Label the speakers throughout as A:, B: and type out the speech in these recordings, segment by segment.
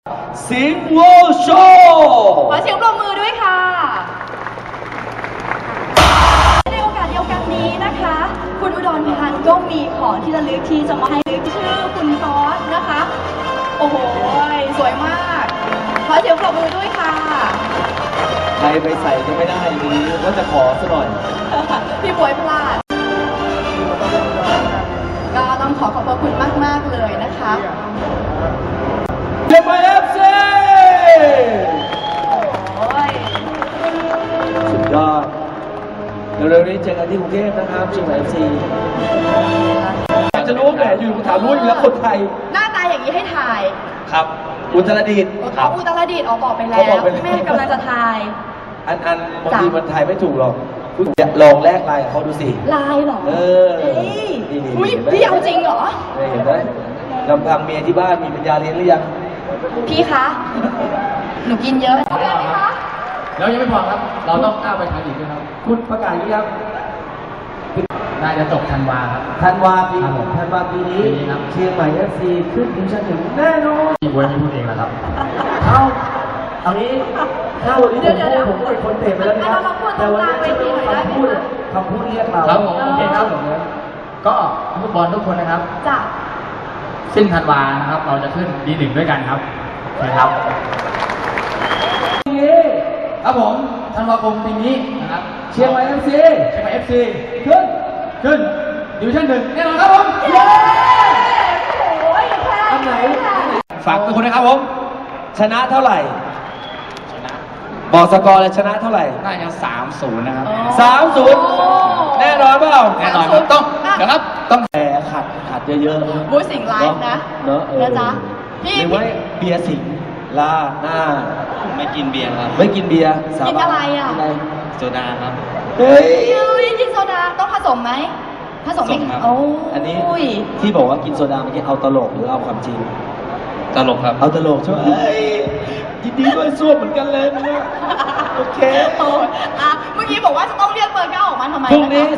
A: สิงห์โวโชว์
B: ขอเสียงปรบมือด้วยค่ะในโอกาสเดียวกันนี้นะคะ คุณอุดรพันธ์ก็มีของที่ระลึกที่จะมาให้ลึกชื่อคุณฟอสนะคะ โอ้โหสวยมากขอเสียงปรบมือด้วยค่ะ
A: ใครไปใส่ก็ไม่ได้ดีว่าจะขอซะหน่อย
B: พี่บวยพลาดก็ต้องขอบพระคุณมากๆเลยนะคะ
A: เชียงใหม่เอฟซีสุดยอดเร็วๆนี้เจอกันที่กรุงเทพนะครับเชียงใหม่เอฟซีจะรู้แหมอยู่ถามรู้อยู่แล้วคนไทย
B: หน้าตาอย่างนี้ให้ถ่าย
A: ครับอุตรดิตถ์
B: เขาอุตรดิตถ์บอกไปแล้วแม่กำลังจะถ่าย
A: อันบางทีมันถ่ายไม่ถูกหรอกลองแลกไลน์เขาดูสิ
B: ไลน์หรอ
A: นี่
B: พี่เอาจริงเหรอ
A: เห็นไหมลำพังเมียที่บ้านมีปัญญาเลี้ยงหรือยัง
B: พี่คะหนูกินเยอะไหมคะ
C: แล้วยังไม่พอครับเราต้องก้าวไปทางอีกด้วยครับ
A: คุณประกาศยังครับ
C: น่าจะจบธันวาครับ
A: ธันวาปีนี้เชียงใหม่เอฟซีขึ้นดิวิชั่น 1แน่นอน
C: พี่บวยไม่พูดเองนะครับ
A: เอางี้ถ้าวันนี้ผมเป็นคนเตะไปแล้วนะครับแต่วันนี้คำพูดเรียกเรา
C: ครับผมโอเคครับผมก็ฟุตบอลทุกคนนะครับ
B: จ้ะ
C: สิ้นธันวานะครับเราจะขึ้นD1ด้วยกันครับนะครับครับผมธันวาคมปีนี้นะครับ
A: เชียงใหม่เอฟซี
C: ขึ้นดิวิชั่น1แน่นอนครับผม
A: อันไหน
C: ฝากทุกคนนะครับผม
A: ชนะเท่าไหร่บอกสกอร์เลยชนะเท่าไหร่
C: น่าจะ3-0นะครับ
A: 3-0แน่นอนเปล่า
C: แน่นอนต้องเดี๋ยวครับต้อง
A: แผลขัดเยอะ
B: ๆบูสิงไลฟ์นะ
A: เนอะ
B: จ๊ะพี่
A: หรือว่าเบียร์สิงลาหน้า
C: ไม่กินเบียร์ครับ
A: ไม่กินเบียร์
B: กินอะไรอ่ะ
C: โซดาครับ
A: เฮ้ย
B: กินโซดาต้องผสมไหมผสมไหม
A: โอ้อันนี้ที่บอกว่ากินโซดาเมื่อกี้เอาตลกหรือเอาความจริง
C: ตลกครับ
A: เอาตลกใช่ไหมยินดีด้วยซ่วมเหมือนกันเลยนะโอเค
B: เมื่อกี้บอกว่าจะต้องเรียกเบอร์ 9ออกมาทำไม
A: พรุ่งนี้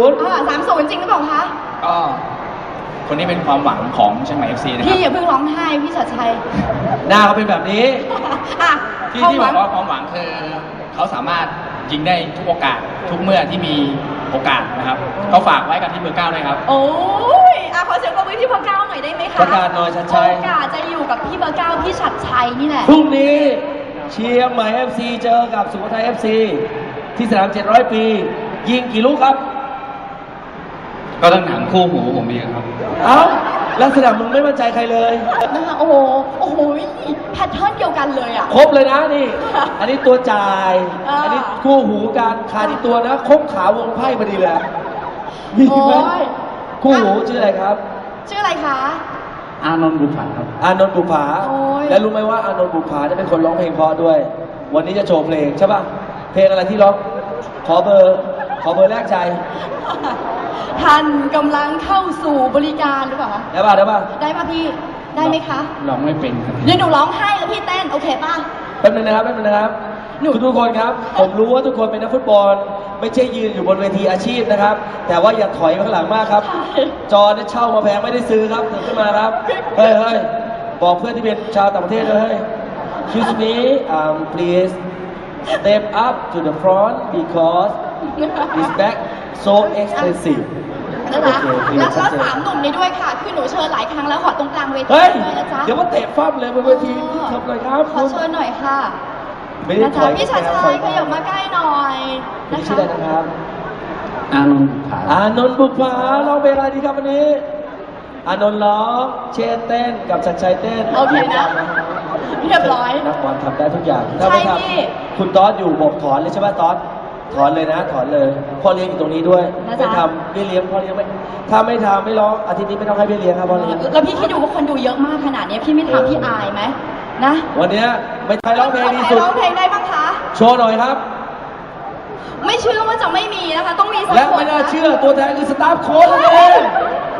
A: 30
B: จริงหรือเปล่าคะ
C: ก็คนนี้เป็นความหวังของเชียงใหม่ FC นะครับ
B: พี่อย่าเพิ่งร้องไห้พี่ชัดชัย
A: หน้าเขาเป็นแบบนี้
C: ที่บอกว่าความหวังคือเขาสามารถยิงได้ทุกโอกาสทุกเมื่อที่มีโอกาสนะครับเขาฝากไว้กับที่เบอร์ 9ด้วยครับ
B: โอ้ยขอเสียงปรบมือที่เบอร์ 9หน่อยได้ไหมคะ
A: ประกาศหน่อยชัดชัย
B: โอกาสจะอยู่กับพี่เบอร์ 9พี่ชัดชัยนี่แหละ
A: พรุ่งนี้เชียงใหม่ FC เจอกับสุโขทัย FC ที่สนาม700 ปียิงกี่ลูกครับ
C: ก็ต้องถามคู่หูผมเองครับ
A: ลักษณะมึงไม่มั่นใจใครเลย
B: โอ้โหแพทเทิร์นเดียวกันเลยอ่ะ
A: ครบเลยนะนี่อันนี้ตัวจ่ายอันนี้คู่หูการขาดที่ตัวนะครบขาวงไพ่พอดีเลยมีไหมคู่หูชื่ออะไรครับ
B: ชื่ออะไรคะ
C: อานนท์บุภาครับ
A: อานนท์บุภาแล้วรู้ไหมว่าอานนท์บุภาเนี่ยเป็นคนร้องเพลงเพราะด้วยวันนี้จะโชว์เพลงใช่ป่ะเพลงอะไรที่ร้องขอเบอร์แรกใจ
B: ท่านกำลังเข้าสู่บริการหรือเปล่า
A: ได้ป่ะ
B: ได้ป่ะพี่ได้ไหมคะ
C: ร้องไม่เป็น
B: เดี๋ยวหนูร้องให้แล้วพี่เต้นโอเคป่ะ
A: แป๊บนึงนะครับทุกคนครับผมรู้ว่าทุกคนเป็นนักฟุตบอลไม่ใช่ยืนอยู่บนเวทีอาชีพนะครับแต่ว่าอย่าถอยไปข้างหลังมากครับจอเนี่ยเช่ามาแพงไม่ได้ซื้อครับถึงขึ้นมาครับเฮ้ยบอกเพื่อนที่เป็นชาวต่างประเทศเลยExcuse me please step up to the front because this bag so expensive
B: นะคะแล้ว3 หนุ่มนี้ด้วยค่ะคือหนูเชิญหลายครั้งแล้วขอตรงกลางเวที
A: เลยนะจ๊ะเดี๋ยวมาเตะฟั่มเลยบนเวทีทำเลยครับ
B: ขอเชิญหน่อยค่ะนะคะพี่ชัดชัยขยับมาใกล้หน่อย
A: นะคะชื่ออะไรนะครับ
C: อานนท์บุภา
A: ร้องเพลงอะไรดีครับวันนี้อานนท์ร้องเชษเต้นกับชัดชัยเต้น
B: โอเคนะเรียบร้อย
A: นักบอลทำได้ทุกอย่างถ้าไม่ทำคุณต๊อดอยู่บอกถอนเลยใช่ไหมต๊อดถอนเลยนะถอนเลยพ่อเลี้ยงอยู่ตรงนี้ด้วยไม่ทำไม่เลี้ยงพ่อเลี้ยงไม่ถ้าไม่ทำไม่ร้องอาทิตย์นี้ไม่ต้องให้พี่เลี้ยงครับพ่อเลี้ยง
B: แล้วพี่คิดดูว่าคนดูเยอะมากขนาดนี้พี่ไม่ทำพี่อายไหมนะ
A: วันนี้ไม่ใครร้องเพลงดีสุด
B: ร้องเพลงได้บ้างคะ
A: โชว์หน่อยครับ
B: ไม่เชื่อว่าจะไม่มีนะคะต้องมีสักคน
A: และไม่น่าเชื่อตัวแทนคือสตาฟโค้ชนั่นเอง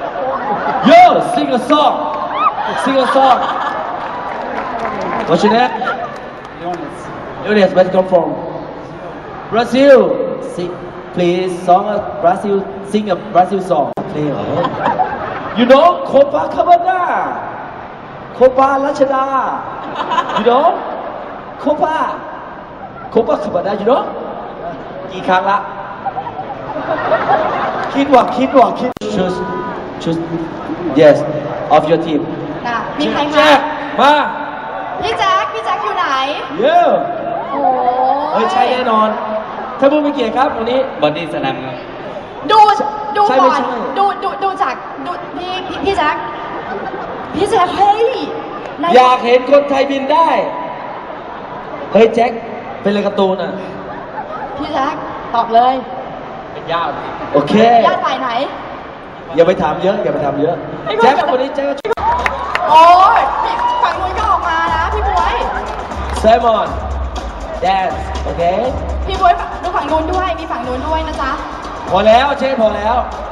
A: Yo sing a song What's your name Jonas where you come from Brazil please sing a Brazil song please You know Copacabana โคปารัชดา you know โคปาคือบัตร you know กี่ครั้งละ คิด choose yes of your team
B: น่ะมีใคร
A: แจ็
B: คะ
A: คมา
B: พี่แจ็คอยู่ไหน
A: เย้
B: โอ้
A: เฮ้ยใช่แน่นอน ถ้าพูดไม่เกียรติครับวันนี้
C: บอดี้สแลมครับ
B: ดู
A: ใช่ไม่
B: ก่อน
A: ใช่
B: ดูจากพี่แจ็คเฮ้ยใน
A: อยากเห็นคนไทยบินได้ เฮ้ยแจ็คเป็นเลยการ์ตูนอ่ะ
B: พี่แจ็คตอบเลย
C: เป็นญาติ
A: โอเค
B: ญาติฝ่ายไหน
A: อย่าไปถามเยอะ แจ็ควันนี้แจ็ค
B: โอ้ยฝั่งนู้นก็ออกมานะพี่บวย
A: แซมอนแดนซ์โอเค
B: พี่บวยดูฝั่งนู้นด้วยมีฝั่งนู้นด้วยนะจ๊ะ
A: พอแล้วเช่พอแล้ว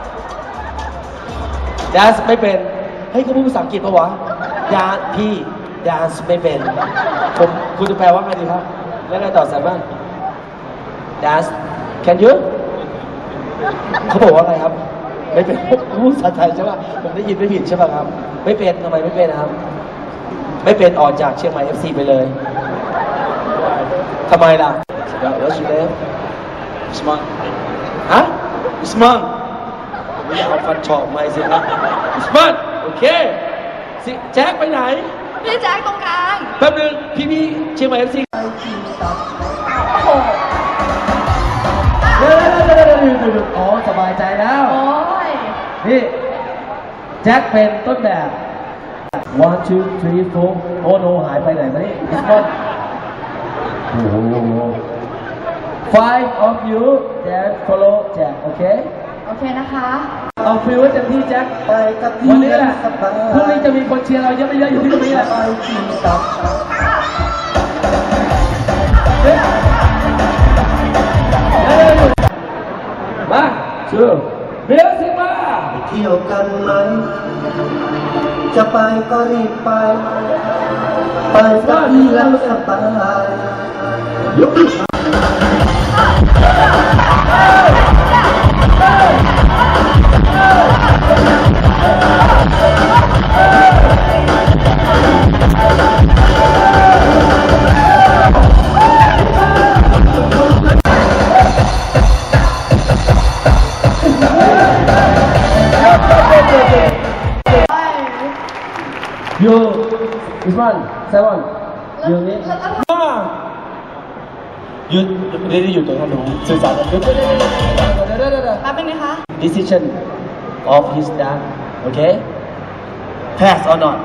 A: แดนซ์ไม่เป็น เฮ้ยเขาพูดภาษาอังกฤษปะวะยาพี่แดนซ์ไม่เป็น คุณจะแปลว่าไงดีครับ แล้วไงต่อแซมบ้าง dance can you เขาบอกว่าไงครับ ไม่เป็นพูดภาษาไทยใช่ป่ะผมได้ยินไม่ผิดใช่ป่ะครับ ไม่เป็นทำไมไม่เป็นนะครับ ไม่เป็นออกจากเชียงใหม่ FC ไปเลยทำไมล่ะ What's your name
C: สมอน
A: ฮะอุสมานไม่อยากเอาฟันเฉาะไม่สิครับอุสมานโอเคสิแจ็คไปไหน
B: พี่แจ็คตรงกลาง
A: แป๊บนึงพี่เชียงใหม่ FC
B: โอ้โห
A: เดี๋ยวอ๋อสบายใจแล้ว
B: โอ้ย
A: นี่แจ็คเป็นต้นแบบ one two three four โอ้โนหายไปไหนมานี่อุสมานโอ้โห five of you that follow แจ็คโอเค
B: โอเคนะคะ
A: เอาฟิลไว้เต็มที่แจ็คไปกับวันนี้แหละพรุ่งนี้จะมีคนเชียร์เราเยอะไม่เยอะอยู่ที่ตรงนี้แหละมาชื่อเบลสิมา
D: เที่ยวกันไหม จะไปก็รีบไป ไปสักทีแล้วสบายยก
A: อยู่อิสมานเซวอนอยู่นี่หยุดเดี๋ยวหยุดตรงนั้นหนูสื่อสารกันหยุดเดี๋ยว
B: แป๊บนึงนะคะ
A: decision of his dad okay pass or not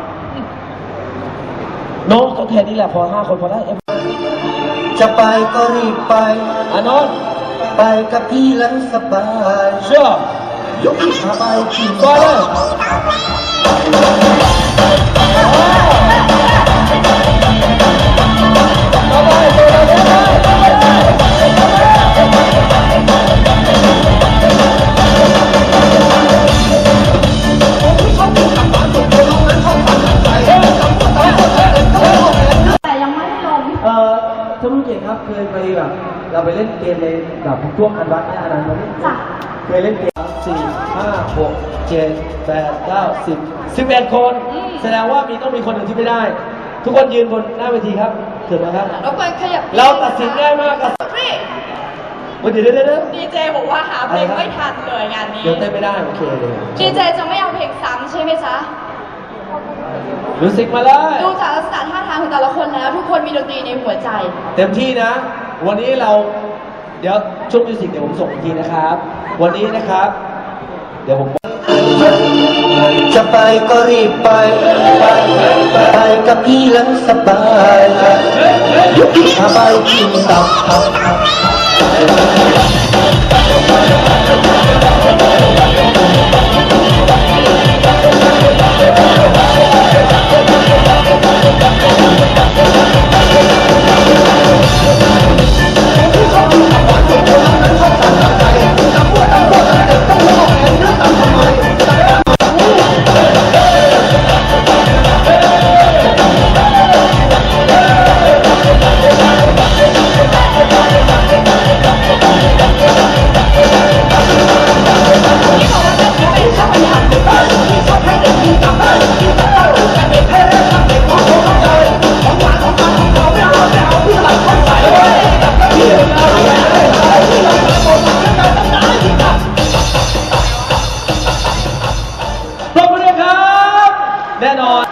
A: no ก็แค่นี้แหละพอ5 คนพอได้
D: จะไปก็รีบไป
A: อานนท์
D: ไปกับพี่แล้วสบาย
A: เชื่อย
D: กขาไปกิน
A: ก่อนเลย
B: แต่ยังไม่ได้ลง
A: ท่านผู้เกียรติครับเคยไปแบบเราไปเล่นเกมในแบบช่วงอันวัดเนี่ยอันนั้นไหม
B: จ้ะ
A: เคยเล่นเกม4 5 6 7 8 9 10 11 คน แสดงว่าต้องมีคนหนึ่งที่ไม่ได้ ทุกคนยืนบนหน้าเวทีครับเถิดนะครับ
B: รบกวนขยับ
A: เราตัดสินง่ายมากครับ
B: นี่
A: เดี๋ยว
B: ดีเจบอกว่าหาเพลงไม่ทันเลยงานนี้
A: เดี๋ยวเต้นไม่ได้โอเคเลย
B: ดีเจจะไม่เอาเพลงซ้ำใช่ไหมจ๊ะ
A: มิวสิกมาเลย
B: ดูจากลักษณะท่าทางของแต่ละคนแล้ว ทุกคนมีดนตรีในหัวใจ
A: เต็มที่นะ วันนี้เราเดี๋ยวช่วงมิวสิกเดี๋ยวผมส่งอีกทีนะครับ วันนี้นะครับ เดี๋ยวผม
D: จะไปก็รีบไป ไปกับพี่แล้วสบายยกขาไปกินตับ
A: แน่นอน